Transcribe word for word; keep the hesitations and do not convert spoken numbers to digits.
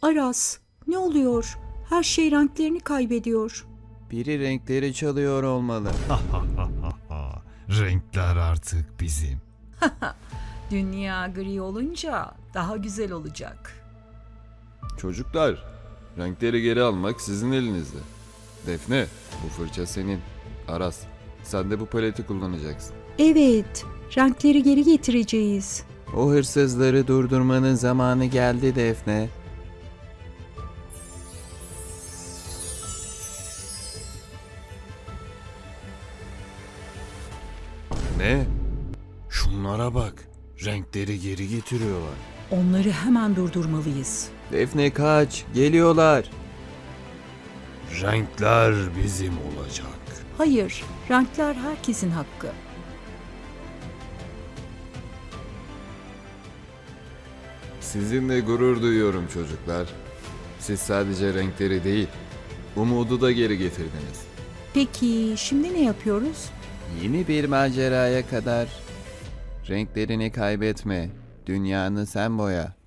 Aras, ne oluyor? Her şey renklerini kaybediyor. Biri renkleri çalıyor olmalı. Renkler artık bizim. Dünya gri olunca daha güzel olacak. Çocuklar, renkleri geri almak sizin elinizde. Defne, bu fırça senin. Aras, sen de bu paleti kullanacaksın. Evet, renkleri geri getireceğiz. O hırsızları durdurmanın zamanı geldi Defne. Ne? Şunlara bak. Renkleri geri getiriyorlar. Onları hemen durdurmalıyız. Defne kaç, geliyorlar. Renkler bizim olacak. Hayır, renkler herkesin hakkı. Sizinle gurur duyuyorum çocuklar. Siz sadece renkleri değil, umudu da geri getirdiniz. Peki şimdi ne yapıyoruz? Yeni bir maceraya kadar renklerini kaybetme. Dünyanı sen boya.